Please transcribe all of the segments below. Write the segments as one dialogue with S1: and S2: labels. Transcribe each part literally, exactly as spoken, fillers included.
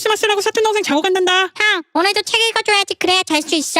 S1: 크리스마스라고 사촌동생 자고 간단다.
S2: 형, 오늘도 책 읽어줘야지. 그래야 잘 수 있어.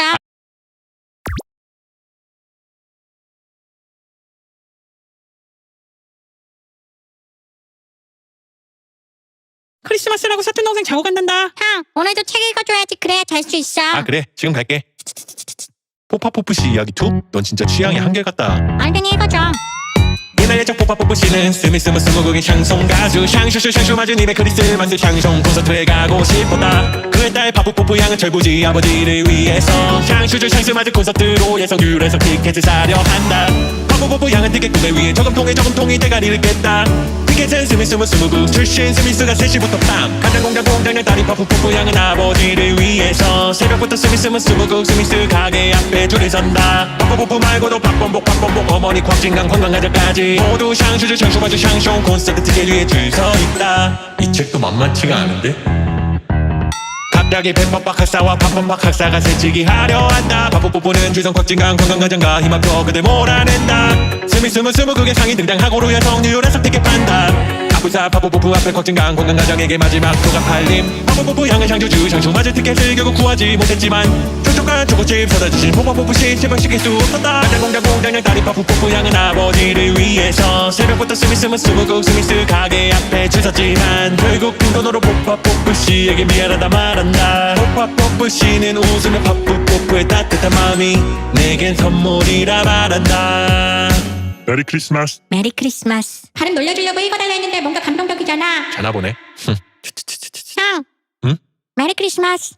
S1: 크리스마스라고 사촌동생 자고 간단다.
S2: 형, 오늘도 책 읽어줘야지. 그래야 잘 수 있어.
S3: 아 그래 지금 갈게. 포파포프씨 이야기 투? 넌 진짜 취향이 한결같다.
S2: 얼른 읽어줘.
S3: 옛날 예적 포파포프씨는 스미스무 스무국의 샹송 가수 샹슈슈 샹슈 맞은 입에 크리스마스 샹송 콘서트에 가고 싶었다. 그의 딸 파푸포프 양은 철부지 아버지를 위해서 샹슈슈 샹슈 맞은 콘서트로 예성귤에서 티켓을 사려 한다. 파푸포프 양은 티켓 구매 위에 저금통에 저금통이 대가리를 깼다. 티켓은 스미스무 스무국 출신 스미스가 세 시부터 밤 간장공장 공장장 딸인 파푸포프 양은 아버지를 위해서 새벽부터 스미스무 스무국 스미스 가게 앞에 줄을 선다. 파푸포프 말고도 박범복 박범복 어머니 곽진강 관광가자까지 모두 샹슈즈 샹슈 마주 샹숑 콘서트 티켓 위에 줄 서 있다. 이 책도 만만치가 않은데? 갑자기 뱀밥박 학사와 팝밤박 학사가 새치기 하려 한다. 파푸포프는 주성 곽진강 관광가장과 힘합쳐 그들 몰아낸다. 스미스무 스무국의 상인 등장하고 여성 뉴욕에서 티켓 판다. 아프사 파푸포프 앞에 곽진강 관광가장에게 마지막 표가 팔림. 파푸포프 향은 샹슈즈 샹슈 맞을 티켓을 결국 구하지 못했지만 촉촉한 초코칩 사다 주신 포파포프씨 제발 시킬 수 없었다. 간장공장 공장장 딸인 파푸포프 향은 아버지를 위해서 새벽부터 스미스무 스무국 스미스 가게 앞에 줄 섰지만 결국 빈돈으로 포파포프씨에게 미안하다 말한다. 포파포프씨는 웃으며 파푸포프의 따뜻한 마음이 내겐 선물이라 말한다.
S4: 메리 크리스마스.
S2: 메리 크리스마스. 발음 놀려주려고 읽어달라 했는데 뭔가 감동적이잖아.
S3: 자나 보네.
S2: 형.
S3: 응?
S2: 메리 크리스마스.